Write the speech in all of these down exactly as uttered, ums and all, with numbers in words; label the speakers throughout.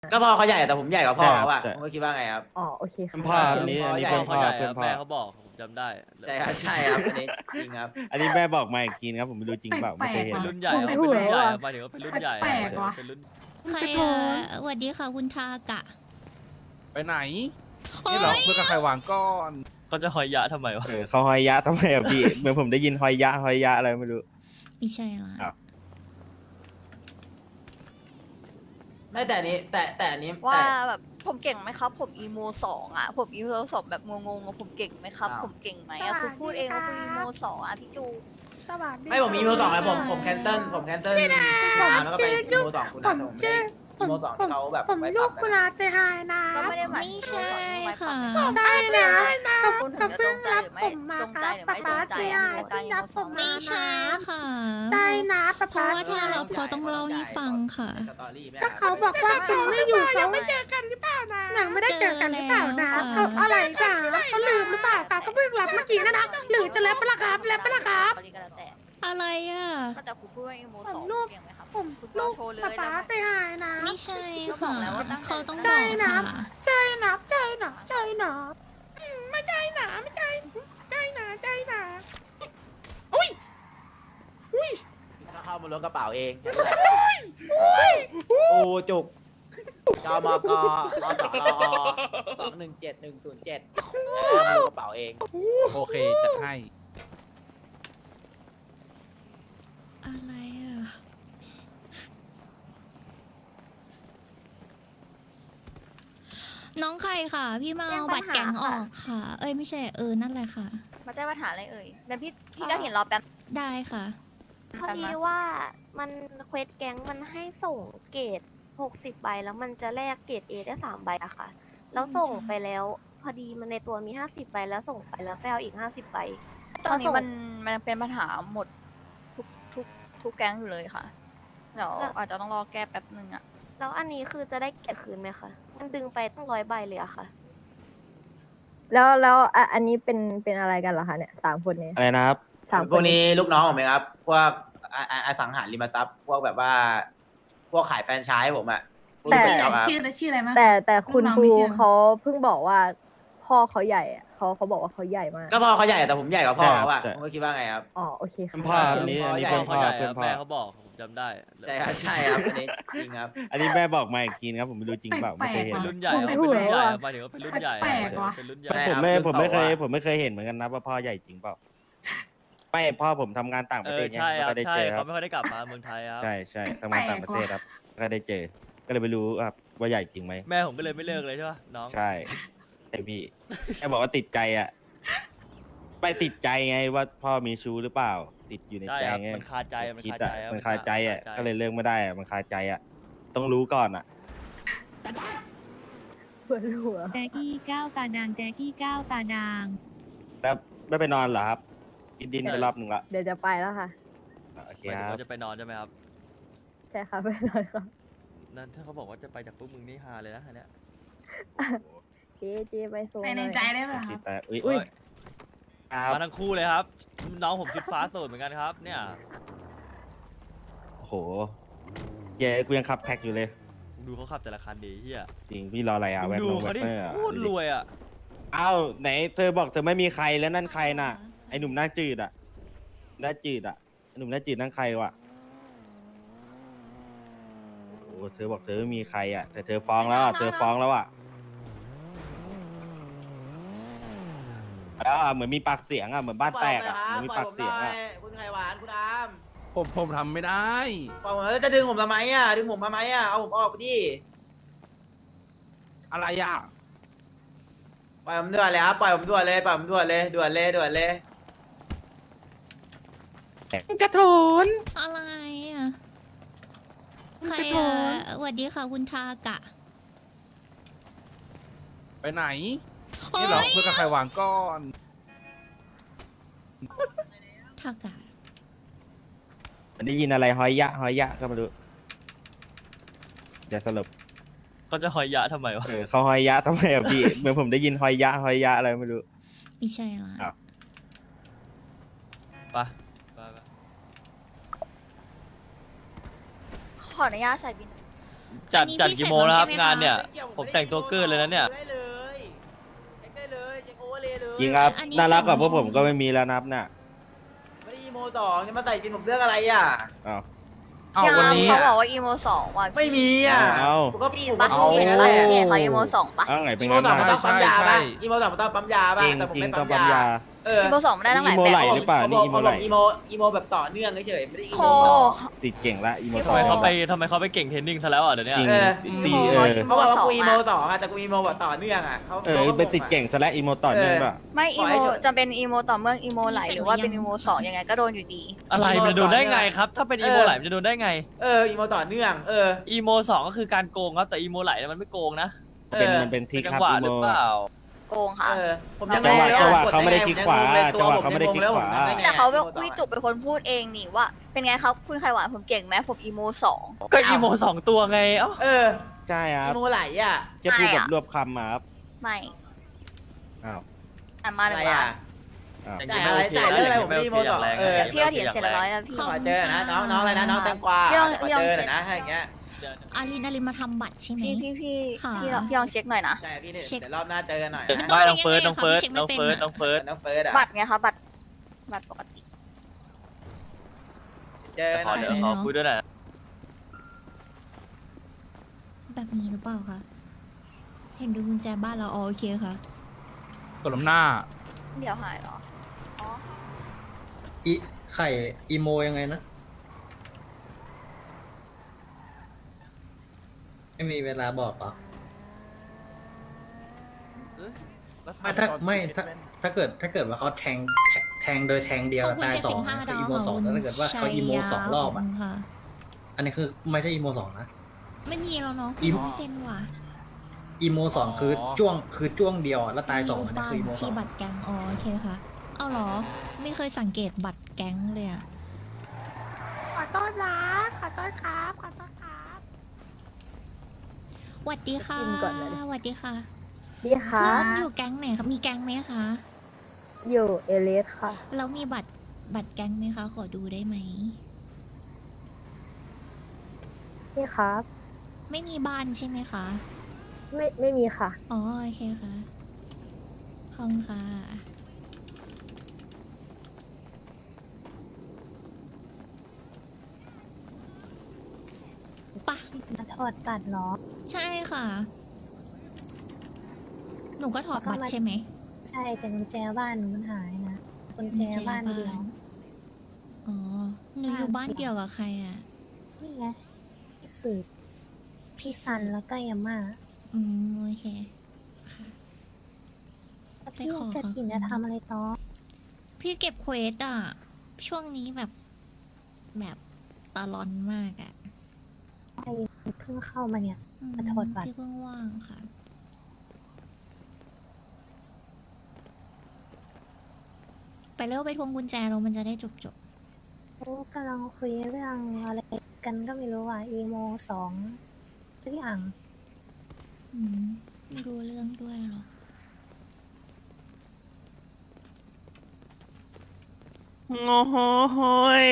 Speaker 1: ก็พ่อเขาใหญ่แต่ผมใหญ่กว่าพ่อเขาอะ
Speaker 2: ใช่
Speaker 1: ผมก็คิดว่าไงครับ
Speaker 3: อ๋อโอเคค่ะ
Speaker 2: พ่ออันนี้อันนี้เป็นพ่อ
Speaker 4: ใหญ่
Speaker 2: เป็น
Speaker 4: ครับ
Speaker 2: พ่อ
Speaker 4: แม่เขาบอกผมจำได้
Speaker 1: ใช่ครับใช่ครับอันนี้จริงครับ
Speaker 2: อันนี้แม่บอกมาอีกทีนะครับผมไม่รู้จริงเปล่าไม่เคยเห็น
Speaker 4: เป็นรุ่นใหญ่ครับเป็นรุ่นใหญ่ครับหมายถึงว่าเป็นรุ่นใหญ่
Speaker 5: แปลกๆว่ะ
Speaker 4: เป็นรุ่น
Speaker 6: ใครอ่ะสวัสดีค่ะคุณทากะ
Speaker 7: ไปไหน
Speaker 6: โอ๊
Speaker 7: นี่
Speaker 6: ย
Speaker 7: เหรอเพื่อกับใครวางก้อน
Speaker 4: เขาจะหอยยะทำไมวะ
Speaker 2: เออเขาหอยยะทำไมอะพี่เหมือนผมได้ยินหอยยะหอยยะอะไรไม่รู้
Speaker 6: ไม่ใช่ละ
Speaker 2: ครับ
Speaker 1: ไม่แต่อันนี้แต่แต่อันนี้
Speaker 5: ว่า
Speaker 1: แต่
Speaker 5: แบบผมเก่งไหมครับ ผมอีโมสองอ่ะ ผมอีโมสองแบบงงๆอะผมเก่งไหมครับ
Speaker 1: อ้าว
Speaker 5: ผมเก่งไหมอ่ะคุณพูดเองว่าคุณอีโมสองอ่ะพี่จู
Speaker 8: สวัสดี
Speaker 1: ไม่ผมมีอีโมสองแล้วผมผมแคนเซิลผมแคนเซิลคุณอาแล้วก็ไปอีโมสองคุณอาแต่ผมไม่ได้อีโมสองที่เขาแบบ
Speaker 8: ผม
Speaker 1: ไว้
Speaker 8: ลู
Speaker 1: ปรั
Speaker 8: ก
Speaker 1: บ
Speaker 8: กุ
Speaker 1: กัน
Speaker 8: ลาเจไฮนะ
Speaker 5: ก็ไม่ได้หมาย
Speaker 6: ไม่
Speaker 5: ถึง
Speaker 6: ใช่ค่ะ
Speaker 8: ได้นะกับ
Speaker 5: คุณถึ
Speaker 8: กับ
Speaker 5: งจะ
Speaker 8: เพิ่
Speaker 5: จ
Speaker 8: ง
Speaker 5: งใจ
Speaker 8: รับ
Speaker 5: หรือ
Speaker 8: ผ
Speaker 5: ไม่
Speaker 8: มมา
Speaker 5: จง
Speaker 8: ค
Speaker 5: ใจ
Speaker 8: รับ
Speaker 5: หรือ
Speaker 8: ป๊า
Speaker 5: ไม่จ
Speaker 8: ป๊าง
Speaker 5: ใจ
Speaker 8: เจไฮ
Speaker 5: อ่ะในการอี
Speaker 8: รั
Speaker 5: โม
Speaker 8: บ
Speaker 5: ส
Speaker 8: ผ
Speaker 5: อง
Speaker 8: ม
Speaker 6: ไม่
Speaker 8: มา
Speaker 6: ใช่
Speaker 8: นะ
Speaker 6: ค่ะ
Speaker 8: ใช่นะป๊า
Speaker 6: เพราะ
Speaker 8: ป๊า
Speaker 6: ว่าถ้าเราเขาต้องเล่าให้ฟังค่ะ
Speaker 1: สตอรี่ไหม
Speaker 8: ก็เขาบอกว่าคุณไม่อยู่เขาไม่เจอกันหรือเปล่านะยังไม่ได้เจอกันหรือเปล่านะเขาอะไรจ้ะเขาลืมหรือเปล่าคะเขาเพิ่งรับเมื่อกี้นะนะหรือจะแล้วปะล่ะครับแล้วปะล่ะครับ
Speaker 5: ก็แล้วแต่
Speaker 6: อะไรอ่ะ
Speaker 5: ก็แต่คุณพูดว่าอีโมสองเก่งไหมครับ
Speaker 8: ผม
Speaker 5: คุณ
Speaker 8: ลู
Speaker 5: ร
Speaker 8: ก
Speaker 5: โชว์เลย
Speaker 8: ป๊าป๊า
Speaker 5: แล้ว
Speaker 8: เจไฮนะ
Speaker 6: ไม่ใช่
Speaker 5: ก็บอ
Speaker 6: ค่ะ
Speaker 5: กแล้วว่าตั้งใจ
Speaker 6: เขาต้อง
Speaker 8: ใช่
Speaker 6: บอก
Speaker 8: นะ
Speaker 6: ค่ะ
Speaker 8: ใจนะใจนะใจนะอืมไม่ใจนะไม่ใจใจนะใจนะอุ้ยอุ้ย
Speaker 1: ถ้าเข้ามาล้วงกระเป๋าเองโอ้จุกจมกอสรอสองหนึ่งเจ็ดหนึ่งศูนย์เจ็ดเข้ามาล้วงกระเป๋าเอง
Speaker 7: โอเคจัดให้
Speaker 6: อะไรอ่ะน้องใครค่ะ พี่มาเอาบัตรแก๊งออกค่ะ เอ้ยไม่ใช่เออนั่นแหละค่ะ
Speaker 5: มาแจ้งปัญหาอะไรเอ่ยเดี๋ยวพี่พี่ก็เห็นรอแป๊บ
Speaker 6: ได้ค่ะ
Speaker 9: พอดีว่ามันเควสแก๊งมันให้ส่งเกรดหกสิบใบแล้วมันจะแลกเกรดเอได้สามใบอะค่ะ แล้วส่งไปแล้วพอดีมันในตัวมีห้าสิบใบแล้วส่งไปแล้วไปเอาอีกห้าสิบใบ
Speaker 5: ตอนนี้มันมันเป็นปัญหาหมดทุกทุกทุกแก๊งอยู่เลยค่ะเดี๋ยวอาจจะต้องรอแก้แป๊บนึงอะ
Speaker 9: แล้วอันนี้คือจะได้เกรดคืนไหมคะ มันดึงไปตั้งร้อยใบเลยอะค่ะ
Speaker 3: แล้วแล้วอ่ะอันนี้เป็นเป็นอะไรกันเหรอคะเนี่ยสามคนนี้
Speaker 2: อะไรนะครับ
Speaker 3: สาม
Speaker 1: พ
Speaker 3: คว
Speaker 1: ก
Speaker 3: น
Speaker 1: นี้ลูกน้องผมเองครับ พวกอออสังหาริมทรัพย์ พวกแบบว่า พวกขายแฟรนไชส์ผมอะพวก
Speaker 3: แต่
Speaker 1: ลูกเจ้าครับ
Speaker 8: ชื่อชื่ออะไรมั้ง
Speaker 3: แต่แต่คุณ
Speaker 8: น้อง
Speaker 3: ครู
Speaker 8: ไม่เชื่อ
Speaker 3: เขาเพิ่งบอกว่า พ่อเขาใหญ่อะเขาเขาบอกว่าเขาใหญ่มาก
Speaker 1: ก็พ่อเขาใหญ่แต่ผมใหญ่กว่าพ่อเขาอะ
Speaker 2: ใช่
Speaker 1: ผมก็คิดว่าไงครับ
Speaker 3: อ๋อโอเคค่ะ
Speaker 2: เป็นพ่ออันนี้อันนี้
Speaker 1: พ่
Speaker 2: เป็
Speaker 1: อ
Speaker 2: น
Speaker 4: เขา
Speaker 2: พ่อ
Speaker 4: ใหญ่
Speaker 2: เป็
Speaker 4: คน รับ
Speaker 2: พ่อ
Speaker 4: แม่เขาบอกผมจำได้
Speaker 1: ใช่ครับใช่ครับอันนี้จริงครับ
Speaker 2: อันนี้แม่บอกมาอีกทีนะครับผมไม่รู้จริงเปล่าไม่เคยเห็น
Speaker 4: เป็นรุ่นใหญ่ครับเป็นรุ่นใหญ่ครับหมายถึงว่าเป็นรุ่นใหญ่
Speaker 8: แปลกๆว่ะ
Speaker 4: เป็นรุ่นใหญ่
Speaker 1: ใช่
Speaker 2: ผมไม่
Speaker 1: ครับ
Speaker 2: ผมไม่เคย
Speaker 1: คือเขาว่า
Speaker 2: ผมไม่เคยเห็นเหมือนกันนะว่าพ่อใหญ่จริงเปล่าไม่พ่อผมทำงานต่างป
Speaker 4: เอ
Speaker 2: ระเท
Speaker 4: อ
Speaker 2: ศไง
Speaker 4: ใช่ค
Speaker 2: ไม่
Speaker 4: รับ
Speaker 2: ค่อยได้
Speaker 4: ใช่
Speaker 2: เจอค
Speaker 4: เขา
Speaker 2: รับ
Speaker 4: ไม่ค่อยได้กลับมาเมืองไทยครับ
Speaker 2: ใช่ใช่ทำงานต่างประเทศครับก็ได้เจอ ก็เลยไม่รู้ครับว่าใหญ่จริงไหม
Speaker 4: แม่ผมก็เลยไม่เลิกเลยใช่ป่ะน้อง
Speaker 2: ใช่ไอพี่แค่บอกว่าติดใจอ่ะไปติดใจไงว่าพ่อมีชู้หรือเปล่า ติดอยู่ใน
Speaker 4: ใช่
Speaker 2: ใจ
Speaker 4: ครับ
Speaker 2: ไง
Speaker 4: มันคาใจมัน
Speaker 2: คิด
Speaker 4: คาใจ
Speaker 2: อ่ะ
Speaker 4: ครับ
Speaker 2: มันคาใจอ่ะ
Speaker 4: มันคาใจ
Speaker 2: ก็เลยเลิกไม่ได้อ่ะมันคาใจอ่ะ ต้องรู้ก่อนอ่ะ
Speaker 3: ปวดหัว
Speaker 10: แจ๊กี้ก้าวตาดางแจ๊กี้ก้าวตาดาง
Speaker 2: แล้วไม่ไปนอนเหรอครับกินดินไปรอบหนึ่งละ
Speaker 3: เดี๋ยวจะไปแล้วค่ะ
Speaker 2: โอเค
Speaker 4: หมายถึง
Speaker 2: ครับ
Speaker 4: ว่าจะไปนอนใช่ไหมครับ
Speaker 3: ใช่ค่ะไปนอนค่ะ
Speaker 4: นั่นถ้าเขาบอกว่าจะไปจากพวกมึงนี่ฮาเลยนะอันเนี้ย
Speaker 3: เจเจไปโซน
Speaker 8: ไปในใจได้ไหม
Speaker 2: โอเค
Speaker 8: ครับ
Speaker 2: แต่อุ้ย
Speaker 3: อุ้ย
Speaker 2: ครับ
Speaker 4: มาทั้งคู่เลยครับ น้องผมชุดฟ้าโสดเหมือนกันครับ เนี่ย
Speaker 2: โอ้โหเย้กูยังขับแท็กอยู่เลย
Speaker 4: มึงดูเขาขับแต่ละคันดีเฮีย
Speaker 2: จริงพี่รออะไรอ่ะ
Speaker 4: มึ
Speaker 2: แว
Speaker 4: ง
Speaker 2: บ
Speaker 4: ดู
Speaker 2: ลงแว
Speaker 4: เขา
Speaker 2: บ
Speaker 4: ดิ
Speaker 2: เนอร์
Speaker 4: โคตรรวยอ่ะ
Speaker 2: อ้าวไหนเธอบอกเธอไม่มีใครแล้วนั่นใครน่ะ ไอหนุ่มหน้าจืดอ่ะหน้าจืดอ่ะไอหนุ่มหน้าจืดนั่นใครวะโอ้เธอบอกเธอไม่มีใครอ่ะแต่เธอฟ้องแล้วอ่ะเธอฟ้องแล้วอ่ะแล้วอ่ะเหมือนมีปากเสียงอ่ะเหมือนบ้านแตกอ่ะเหมือนมีปากเสียงอ่ะ
Speaker 1: คุณไข่หวานคุณอาม
Speaker 7: ผมผมทำไม่ได้
Speaker 1: ปล่อยผมแล้วจะดึงผมทำไมอ่ะดึงผมทำไมอ่ะเอาผมออกไปดิ
Speaker 7: อะไรอ่ะ
Speaker 1: ปล่อยผมด่วนเลยครับปล่อยผมด่วนเลยปล่อยผมด่วนเลยด่วนเลยด่วนเลย
Speaker 2: กระโถน
Speaker 6: อะไรอ่ะใครอ่ะสวัสดีค่ะคุณทากะ
Speaker 7: ไปไหน
Speaker 6: โอ๊
Speaker 7: นี่เหรอย เพื่อกับใครวางก้อน
Speaker 6: ทากะ
Speaker 2: มันได้ยินอะไรหอยยะหอยยะก็มาดูจะสรุป
Speaker 4: เขาจะหอยยะทำไมวะ
Speaker 2: เออเขาหอยยะทำไมอ่ะพี่เหมือนผมได้ยินหอยยะหอยยะอะไรไม่รู้
Speaker 6: ไม่ใช่ละ
Speaker 2: อ้าว
Speaker 4: ไปไปไป
Speaker 5: ขออนุญาตใส่บิน
Speaker 4: จัด
Speaker 6: อันนี้
Speaker 4: จัด
Speaker 6: พี่
Speaker 4: กี่
Speaker 6: เสร็จ
Speaker 4: โมงแล้วครับ
Speaker 6: แล้วใช่ไหม
Speaker 4: งานเนี่ย
Speaker 6: คะ
Speaker 4: ผมแต่งตัวเกินเลยนะเนี่ย
Speaker 1: ได้เลยเช็คได้เลยเช็คโอเวอร์เลยเลย
Speaker 2: จริงครับ
Speaker 6: อันนี้
Speaker 2: น่ารักกว่า
Speaker 6: เสร็
Speaker 2: พ
Speaker 6: จ
Speaker 2: ว
Speaker 6: แล้ว
Speaker 2: กผมก็ไม่มีแล้วนับน่ะ
Speaker 1: ไม่ได้อีโมสองจะมาใส่กินผมเรื่องอะไรอ่ะ
Speaker 2: อ้าว
Speaker 7: เอ้า
Speaker 5: ยัง
Speaker 7: วันนี้
Speaker 5: เขาบอกว่าอีโมสองว่ะ
Speaker 1: ไม่มีอ่ะ
Speaker 2: เอา
Speaker 1: ผมก็
Speaker 5: พี่
Speaker 1: ผม
Speaker 5: ปะ
Speaker 1: ก็พูด
Speaker 5: พี่
Speaker 1: อย่าง
Speaker 5: เห็น
Speaker 1: นั้น
Speaker 5: ปะ
Speaker 1: แหละ
Speaker 5: พี่เห็นเขาอีโมสองปะ
Speaker 2: อ้าวไงเป็น
Speaker 1: อีโม
Speaker 2: งั้น
Speaker 1: สองมัน
Speaker 2: น่ะ
Speaker 1: ต้องปั๊มยา
Speaker 7: ใช่
Speaker 1: ป่ะ
Speaker 7: ใช่
Speaker 1: อีโมสองมันต้องปั๊มยาป่ะ
Speaker 2: จริง
Speaker 1: แต่ผม
Speaker 2: จริง
Speaker 1: ไม่
Speaker 2: ต้
Speaker 1: ปั๊
Speaker 2: อง
Speaker 1: ม
Speaker 2: ปั๊ม
Speaker 1: ยาย
Speaker 2: า
Speaker 1: เออ
Speaker 5: อีโมสองมันได้ตั้งหลาย
Speaker 2: อีโม
Speaker 5: แบ
Speaker 2: ไหล
Speaker 5: บ
Speaker 2: หรือเปล่า
Speaker 1: เขา
Speaker 2: นี่
Speaker 1: บอก
Speaker 2: อีโม
Speaker 1: เขา
Speaker 2: ไห
Speaker 1: บ
Speaker 2: ล
Speaker 1: อกอีโมอีโมแบบต่อเนื่องเฉยๆไม่ได้อี
Speaker 5: โค
Speaker 1: โมสอง
Speaker 2: ติดเก่งละอีโม
Speaker 5: พี่
Speaker 2: ท
Speaker 5: โค
Speaker 2: อ
Speaker 4: ทำไม
Speaker 2: ย
Speaker 4: เขาไปทำไมเขาไปเก่งเทรนนิ่งซะแล้วอ่ะเดี๋ยวเนี้
Speaker 2: จริง
Speaker 1: เออ
Speaker 2: ตี
Speaker 5: โอ้
Speaker 2: เอ
Speaker 5: โห
Speaker 2: อ
Speaker 1: เขาบอกว่า
Speaker 5: สอง
Speaker 1: กูอีโม
Speaker 5: อะ
Speaker 1: สองอะแต่กูอีโมแบบต่อเนื่องอะเขา
Speaker 2: เออ
Speaker 1: ขาก็
Speaker 2: ไปติดเก่งซะแล้วอีโมต่อเนื่องป่ะ
Speaker 5: ไม่อี
Speaker 1: ปล่อย
Speaker 5: โม
Speaker 1: ให้เฉย
Speaker 5: จะเป็นอีโมต่อเมื่ออีโมไหลหรือว่าเป็นอีโมสองยังไงก็โดนอยู่ดี
Speaker 4: อะไรมันจะโดนได้ไงครับ ถ้าเป็นอีโมไหลมันจะโดนได้ไง
Speaker 1: เอออีโมต่อเนื่องเออ
Speaker 4: อีโมสองก็คือการโกงครับแต่อีโมไหลเนี่ยมันไม่โกงนะ
Speaker 1: เอ
Speaker 2: เป็น
Speaker 1: อ
Speaker 2: มันเป็นที่
Speaker 4: เป็นจั
Speaker 2: ครั
Speaker 4: ง
Speaker 2: บ
Speaker 4: หวะ
Speaker 2: อี
Speaker 4: ห
Speaker 2: โม
Speaker 4: รือเปล่า
Speaker 5: โกงค่ะ
Speaker 1: เออผมยัง
Speaker 2: จังหวะ
Speaker 1: เลย
Speaker 2: จังหวะ
Speaker 1: กด
Speaker 2: เขาไม่ได้
Speaker 1: งง
Speaker 2: คลิกขวา
Speaker 1: ผมยังงงเลย
Speaker 2: จังหวะเขาไม่ได้
Speaker 1: ผ
Speaker 2: คลิกขวา
Speaker 1: ผมทำได้ไง
Speaker 5: แต่เขา
Speaker 1: อีโมสอง
Speaker 5: คุยจุกเป็นคนพูดเองนี่ว่า เป็นไงครับคุณไข่หวานผมเก่งไหมผมอีโมสอง
Speaker 4: ก็อีโมสองตัวไงเอ้า
Speaker 1: เออ
Speaker 2: ใช่ครั
Speaker 1: อี
Speaker 2: บ
Speaker 1: โมไหลอ่ะ
Speaker 2: จะพูด
Speaker 5: ไม่
Speaker 2: แบบ
Speaker 5: อะ
Speaker 2: รวบคำมาครับ
Speaker 5: ไม่
Speaker 2: อ้าว
Speaker 5: อ่ะมา
Speaker 1: อะ
Speaker 5: หนึ่
Speaker 1: ไรง
Speaker 5: ล้า
Speaker 1: อ่ะ
Speaker 5: น
Speaker 2: อ้าว
Speaker 1: จ่ายอะไรจ่ายเรื่องอะไรผมไม่ได้อีโมสองเออ
Speaker 5: เดี๋ยวพี่ก็เถียงเสร็จแล้วร้อยแล้วพี่
Speaker 1: ขอเจอนะน้องน้องอะไรนะน้องแตงกวา
Speaker 5: พี่ลอง
Speaker 1: ขอ
Speaker 5: พี่ลอง
Speaker 1: เจอห
Speaker 5: เช็
Speaker 1: น่อ
Speaker 5: ค
Speaker 1: ยนะถ้าอย่างเงี้ย
Speaker 6: อารินอารินมาทำบัตรใช่ไหม
Speaker 5: พี่พี่พี่
Speaker 6: ค่ะ
Speaker 5: พี่ลองพี่ลองเช็คหน่อยนะ
Speaker 1: ใช่พี่เนี่ย
Speaker 6: เช็ค
Speaker 1: เดี๋ยวรอบหน้าเจอกันหน่อย
Speaker 6: มัน
Speaker 1: นะ
Speaker 6: ต้
Speaker 4: ไม่
Speaker 6: เช็
Speaker 4: น้องเฟิร์ส
Speaker 6: ยังไง
Speaker 4: น้องเฟิร์ส
Speaker 6: คะ
Speaker 4: น้องเฟิร์ส
Speaker 6: พี่เช็คไม่เป็นอะ
Speaker 4: น้องเฟิร์ส
Speaker 1: น้องเฟิร์สอะ
Speaker 5: บัตรไงคะบัตรบัตรปกติ
Speaker 1: เจอกันห
Speaker 4: ขอ
Speaker 1: น่อย
Speaker 4: เดี๋ยวขอคุยด้วยหน่อยนะ
Speaker 6: แบบนี้หรือเปล่าคะเห็นดูกุญแจบ้านเราอ๋อโอเคค่ะ
Speaker 7: ตบลำหน้า
Speaker 5: เดี๋ยวหายเหรออ๋อ
Speaker 11: อีไข่อีโมยังไงนะ ไม่มีเวลาบอกเหรอ ไม่ถ้าไม่ถ้าถ้าเกิดถ้าเกิดว่าเขาแทงแทงแทงโดยแทงเดียว
Speaker 6: ขอบคุณ
Speaker 11: ตาย
Speaker 6: เจ็ด
Speaker 11: สอ
Speaker 6: สิ
Speaker 11: ง
Speaker 6: บห้า
Speaker 11: คือ
Speaker 6: ดาว
Speaker 11: อีโมสอง
Speaker 6: ค่ะ
Speaker 11: แล้วถ้าเกิดว่าเขาอีโมสองรอบ
Speaker 6: ข
Speaker 11: อ่ะ
Speaker 6: คุณค่ะ
Speaker 11: อันนี้คือไม่ใช่อีโมสองนะ
Speaker 6: ไม่มีแล้วเนาะ
Speaker 11: อี
Speaker 6: ไม่เป็นว่ะ
Speaker 11: อีโมสองคือจ้วงคือจ้วงเดียวอะแล้วตายสองอันนี้
Speaker 6: บ้า
Speaker 11: คืออีโมสอ
Speaker 6: ที่
Speaker 11: ง
Speaker 6: บัตรแก๊งอ๋อโอเคค่ะ เอาเหรอ ไม่เคยสังเกตบัตรแก๊งเลยอะ
Speaker 8: ขอโทษนะขอโทษครับขอโทษครับ
Speaker 6: หวัดดีค่ะ
Speaker 3: กินก่อนเลย
Speaker 6: หวัดดีค่ะ
Speaker 3: ดีค่ะ
Speaker 6: เพื่อนอยู่แก๊งไหนคะมีแก๊งไหมคะ
Speaker 3: อยู่เอเลสค่ะ
Speaker 6: แล้วมีบัตรบัตรแก๊งไหมคะ ขอดูได้ไหม
Speaker 3: นี่ครับ
Speaker 6: ไม่มีบ้านใช่ไหมคะ
Speaker 3: ไม่ไม่มีค่ะ
Speaker 6: อ๋อโอเคค่ะขอบคุณค่ะปะ
Speaker 10: มาถอดบัตรเหรอ
Speaker 6: ใช่ค่ะ หนูก็ถอดบัตรใช่ไหม
Speaker 10: ใช่แต่กุญแจบ้านมันหายนะกุญแจบ้านเดียว
Speaker 6: อ๋อ หนูอยู่บ้านเดียวกับใครอ่ะ
Speaker 10: นี่ไงพี่สืบพี่ซันแล้วก็ยาม่า
Speaker 6: อืมโอเค ค่ะ
Speaker 10: แล้วพี่
Speaker 6: ไปขอ
Speaker 10: กระถิน
Speaker 6: เขา
Speaker 10: จะทำอะไรต่อ
Speaker 6: พี่เก็บเควสอ่ะ ช่วงนี้แบบ แบบตาลอนมากอ่ะ
Speaker 10: ใครเพิ่งเข้ามาเนี่ย
Speaker 6: อืม
Speaker 10: มาถอดบัตร
Speaker 6: พี่เพิ่งว่างค่ะ ไปเร็วไปทวงกุญแจเรามันจะได้จบจบ
Speaker 10: โอ้กำลังคุยเรื่องอะไรกันก็ไม่รู้อ่ะอีโมสองสักอย่าง
Speaker 6: ๆอืมไม่รู้เรื่องด้วยหรอ
Speaker 2: โง่โหย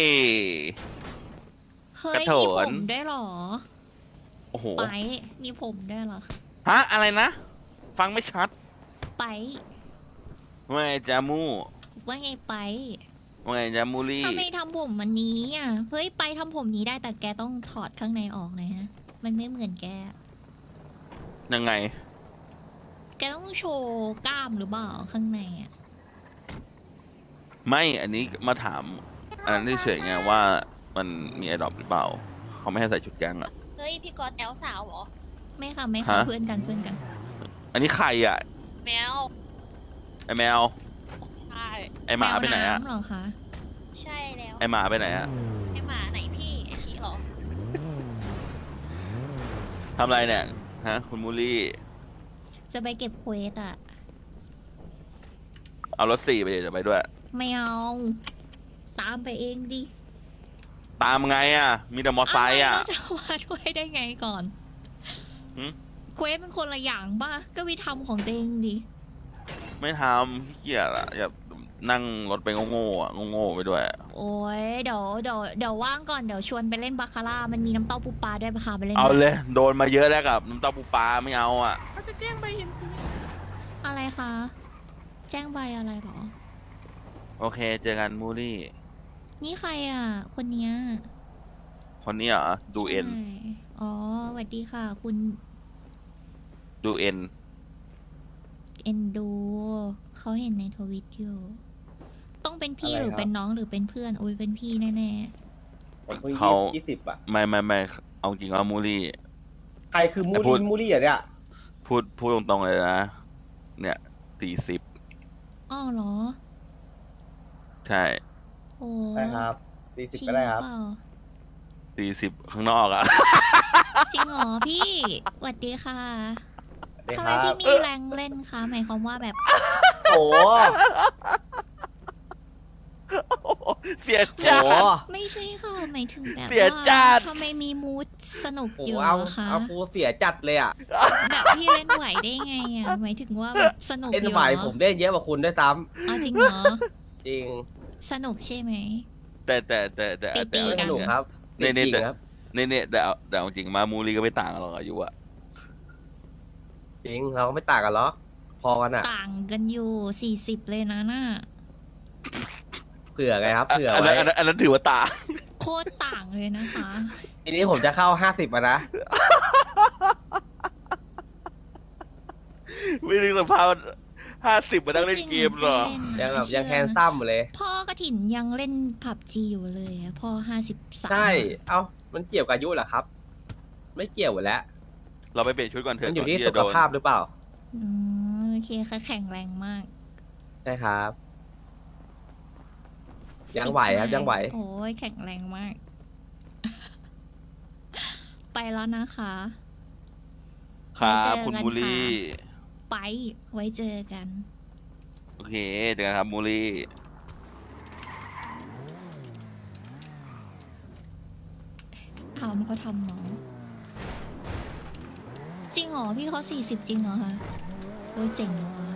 Speaker 6: เฮ้ย
Speaker 2: กระโถ
Speaker 6: มีผ
Speaker 2: น
Speaker 6: มได้วยเหรอ
Speaker 2: โอ้โห
Speaker 6: ไปมีผมได้วยเหรอ
Speaker 2: ฮะ อะไรนะ ฟังไม่ชัด
Speaker 6: ไป
Speaker 2: ว่าไงจามู
Speaker 6: ว่าไงไป
Speaker 2: ว่าไงจามูลี่
Speaker 6: ทำไมทำผมวันนี้อ่ะ เฮ้ยไปทำผมนี้ได้แต่แกต้องถอดข้างในออกเลยฮะ มันไม่เหมือนแก
Speaker 2: ยังไง
Speaker 6: แกต้องโชว์กล้ามหรือเปล่าข้างในอ่ะ
Speaker 2: ไม่ อันนี้มาถาม อันนั้นเฉยๆไงว่ามันมีไอดอปหรือเปล่า เขาไม่ให้ใส่ชุดแก๊งอ่ะ
Speaker 5: เฮ้ยพี่กอดแอลสาวเหรอ
Speaker 6: ไม่ค่ะไม่ค่ะ
Speaker 2: ฮะ
Speaker 6: เพื่อนกันเพื่อนกัน
Speaker 2: อันนี้ใครอ่ะ
Speaker 5: แมว
Speaker 2: ไอแมว
Speaker 5: ใช่
Speaker 2: ไอหมาไปไหนอ่ะ
Speaker 6: แมวำเหรอคะ
Speaker 5: ใช่แล้ว
Speaker 2: ไอหมาไปไหนอ่ะ
Speaker 5: ไอหมาไหนพี่ไอชีเหรอ
Speaker 2: ทำอะไรเนี่ย ฮะ คุณมูลี่
Speaker 6: จะไปเก็บเควสอ่ะ
Speaker 2: เอารถสี่ไปเดี๋ยวไปด้วย
Speaker 6: ไม่เอา ตามไปเองดิ
Speaker 2: ตามไงอ่ะ มีแต่มอไซค์อ่ะ
Speaker 6: เาแล้วจะมาช่วยได้ไงก่อน
Speaker 2: หืม
Speaker 6: เควสเป็นคนละอย่างป่ะ ก็วิทำของตัวเองดิ
Speaker 2: ไม่ทำขี้เกียจอ่ะ อย่า
Speaker 12: นั่งรถไปโง่ๆอ่ะโง่ๆไปด้วย
Speaker 6: โอ้ยเดี๋ยวเดี๋ยวเดี๋ยวว่างก่อนเดี๋ยวชวนไปเล่นบาคาร่ามันมีน้ำเต้าปูปลาด้วยปะคะไปเล่น
Speaker 12: เอา
Speaker 6: ด้วย
Speaker 12: เลย โดนมาเยอะแล้วกับน้ำเต้าปูปลาไม่เอาอ่ะ
Speaker 8: เขาจะแจ้งใบเห็นสี
Speaker 6: อะไรคะ แจ้งใบอะไรเหรอ
Speaker 12: โอเค เจอกันมูรี่
Speaker 6: นี่ใครอ่ะ คนเนี้ย
Speaker 12: คนนี้เหรอดูเอ็น
Speaker 6: ใช่อ๋อสวัสดีค่ะ คุณ
Speaker 12: ดูเอ็น
Speaker 6: เอ็นดูเขาเห็นในทวิตอยู่ ต้องเป็นพี่
Speaker 1: อะไร
Speaker 6: หรือ
Speaker 1: ครับ
Speaker 6: เป็นน้องหรือเป็นเพื่อนอุ้ยเป็นพี่แน่
Speaker 1: ผมพิ่ง
Speaker 12: เขา
Speaker 1: ยี่สิบอ่ะ
Speaker 12: ไม่ไม่ไม่เอาจริงว่ามูรี่
Speaker 1: ใครคือมู
Speaker 12: แต่พูด
Speaker 1: รี่มูรี่เหรอเนี่ย
Speaker 12: พูดพูดตรงๆเลยนะ เนี่ยสี่สิบ
Speaker 6: ๆอ้อเหรอ
Speaker 12: ใช่
Speaker 6: โอ้
Speaker 1: ได้ครับสี่
Speaker 6: จ
Speaker 1: สิบ
Speaker 6: ริง
Speaker 1: ก็
Speaker 6: หรื
Speaker 1: ได้
Speaker 6: อ
Speaker 1: ครับ
Speaker 6: เปล่า
Speaker 12: สี่สิบข้างนอกอ่ะ
Speaker 6: จริงเหรอพี่สวัสดีค่ะ
Speaker 1: ได้
Speaker 6: ทำ
Speaker 1: ค
Speaker 6: ไม
Speaker 1: รับ
Speaker 6: พี่มีแรงเล่นคะหมายความว่าแบบ
Speaker 1: โอ้
Speaker 12: เสีย
Speaker 1: โห
Speaker 12: จัด
Speaker 6: ไม่ใช่ค่ะหมายถึงแบบ
Speaker 12: เสีย
Speaker 6: ว่า
Speaker 12: จัด
Speaker 6: ทำไมมีมูดสนุก
Speaker 1: โอ้
Speaker 6: อยู่
Speaker 1: เอา
Speaker 6: อะคะ
Speaker 1: เอากูเสียจัดเลยอ่ะ
Speaker 6: แบบพี่เล่นไหวได้ไงอ่ะหมายถึงว่าแบบสนุกอ
Speaker 1: เล่น
Speaker 6: ยู่
Speaker 1: ไหว
Speaker 6: เหรอ
Speaker 1: ผมได้เยอะกว่าคุณด้วยซ้
Speaker 6: เอาจริงเหรอ
Speaker 1: ำจริง
Speaker 6: สนุกใช่ไหม
Speaker 12: แต่แต่แต่แต่
Speaker 6: ตี
Speaker 12: แต่
Speaker 6: ๆ
Speaker 12: เอา
Speaker 1: ส
Speaker 12: จริง
Speaker 1: นุก
Speaker 12: นะครับ
Speaker 1: จริ
Speaker 12: เนี่ย
Speaker 1: ง
Speaker 12: เนี่ยแต่
Speaker 1: ๆครับ
Speaker 12: เนี่ยเนี่ยแต่เอาแต่เอาจริงมามูรี่ก็ไม่ต่างกันหรอกอายุอ่ะ
Speaker 1: จริงเราก็ไม่ต่างกันหรอกพอกันอ่ะ
Speaker 6: ต่างกันอยู่สี่สิบเลยนะน่ะ
Speaker 1: เผื่อไงครับเผื่อ
Speaker 12: อัน
Speaker 1: ไว้
Speaker 12: นั้นอันนั้นอันนั้นถือว่าต่าง
Speaker 6: โคตรต่างเลยนะคะ
Speaker 1: ทีนี้ผมจะเข้าห้าสิบอ่ะนะ
Speaker 12: ไม่นึกสภาพห้าสิบมานั่งเล่นเกมหรอ
Speaker 1: ยังแบบยังแคนซัมอยู่เลย
Speaker 6: พ่อกระถินยังเล่นผับจีอยู่เลยอะพ่อห้าสิบสาม
Speaker 1: ใช่ เอ้ามันเกี่ยวกับอายุเหรอครับ ไม่เกี่ยวอยู่แล้ว
Speaker 12: เราไปเปลี่ยนชุดก่อนเถ
Speaker 1: มั
Speaker 12: อะ
Speaker 1: นอยู่ที่
Speaker 12: ก่
Speaker 1: สุ
Speaker 12: จะ
Speaker 1: ข
Speaker 12: โดน
Speaker 1: ภาพหรือเปล่า
Speaker 6: อืมโอเคค่ะแข็งแรงมาก
Speaker 1: ใช่ครับ ยังไหวครับยังไหว
Speaker 6: โอ้ยแข็งแรงมาก ไปแล้วนะคะ
Speaker 12: ครับคุณ
Speaker 6: ไว้เจอกัน
Speaker 12: มูรี่
Speaker 6: ค่ะ ไปไว้เจอกัน
Speaker 12: โอเคเจอกันครับมูรี่
Speaker 6: ทำเขาทำน้องจริงเหรอพี่เขาสี่สิบจริงเหรอคะโอ้ยเจ๋งว่ะ